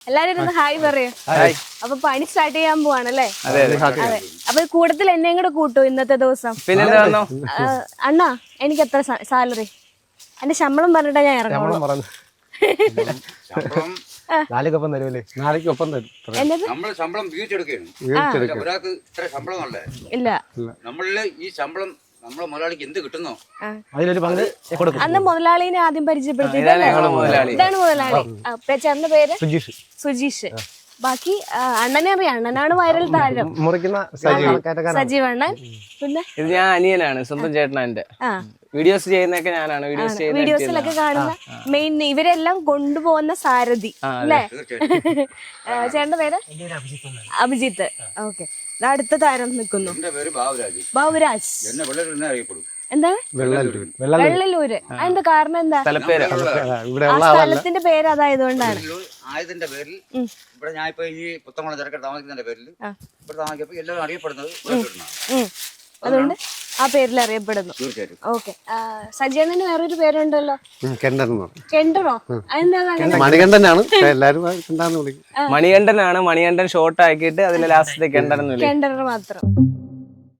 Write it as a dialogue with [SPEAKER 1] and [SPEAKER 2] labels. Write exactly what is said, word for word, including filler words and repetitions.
[SPEAKER 1] എല്ലാരും ഇരുന്ന് ഹായ് പറയൂ. അപ്പൊ പണി സ്റ്റാർട്ട് ചെയ്യാൻ പോവാണല്ലേ? അതെ. അപ്പൊ കൂട്ടത്തിൽ എന്നെ കൂടെ കൂട്ടു ഇന്നത്തെ ദിവസം. അണ്ണാ എനിക്ക് എത്ര സാലറി? എന്റെ ശമ്പളം പറഞ്ഞിട്ടാ ഞാൻ ഇറങ്ങുള്ളൂ.
[SPEAKER 2] നാലേക്കൊപ്പം തരുമല്ലേ? നാലേക്കൊപ്പം തരും.
[SPEAKER 3] നമ്മള് ശമ്പളം വീഴ്ചെടുക്കുകയാണ്. ഒരാൾക്ക് ഇത്ര ശമ്പളം അല്ലേ?
[SPEAKER 1] ഇല്ല,
[SPEAKER 3] നമ്മളില് ഈ ശമ്പളം നമ്മളെ മുതലാളിക്ക് എന്ത് കിട്ടുന്നോ
[SPEAKER 2] അതിലൊരു പങ്ക് കൊടുക്കും.
[SPEAKER 1] അന്ന് മുതലാളിനെ ആദ്യം പരിചയപ്പെടുത്തി. ഇതാണ് മുതലാളി. ചേട്ടന്റെ പേര്
[SPEAKER 2] സുജീഷ്.
[SPEAKER 1] സുജീഷ്. ബാക്കി അണ്ണനെ അറിയാം. അണ്ണനാണ് വൈറൽ താരം.
[SPEAKER 2] മുറിക്കുന്ന
[SPEAKER 1] സജീവ് അണ്ണൻ. പിന്നെ
[SPEAKER 4] ഇത് ഞാൻ അനിയനാണ്, സ്വന്തം ചേട്ടനാ എന്റെ. വീഡിയോസ് ചെയ്യുന്നൊക്കെ ഞാനാണ്. വീഡിയോസ്
[SPEAKER 1] വീഡിയോസിലൊക്കെ കാണുന്ന മെയിൻ ഇവരെല്ലാം കൊണ്ടുപോകുന്ന സാരഥി അല്ലേ? ചേട്ടന്റെ പേര് അഭിജിത്ത്. ഓക്കെ. അടുത്ത താരം നിൽക്കുന്നു. ബാബുരാജ്. എന്താണ്? വെള്ളലൂര്. അതിന്റെ കാരണം എന്താ? സ്ഥലത്തിന്റെ പേര് അതായതുകൊണ്ടാണ്.
[SPEAKER 3] ആയതിന്റെ പേരിൽ ഇവിടെ ഞാൻ ഇപ്പൊ ഈ പുത്തമണ തിരക്കട്ട് താമസിക്കുന്നതിന്റെ പേരിൽ ഇവിടെ താമസിച്ചപ്പോ എല്ലാവരും അറിയപ്പെടുന്നത്
[SPEAKER 1] അതുകൊണ്ട് ആ പേരിൽ അറിയപ്പെടുന്നു.
[SPEAKER 3] തീർച്ചയായിട്ടും.
[SPEAKER 1] ഓക്കെ. സജീവന് വേറൊരു പേരുണ്ടല്ലോ, കെണ്ടറോ?
[SPEAKER 2] മണികണ്ഠനാണ് എല്ലാരും വിളിക്കും.
[SPEAKER 4] മണികണ്ഠനാണ്. മണികണ്ഠൻ ഷോർട്ട് ആക്കിയിട്ട് അതിന്റെ ലാസ്റ്റത്തെ കെണ്ടർ
[SPEAKER 1] കെണ്ടർ മാത്രം.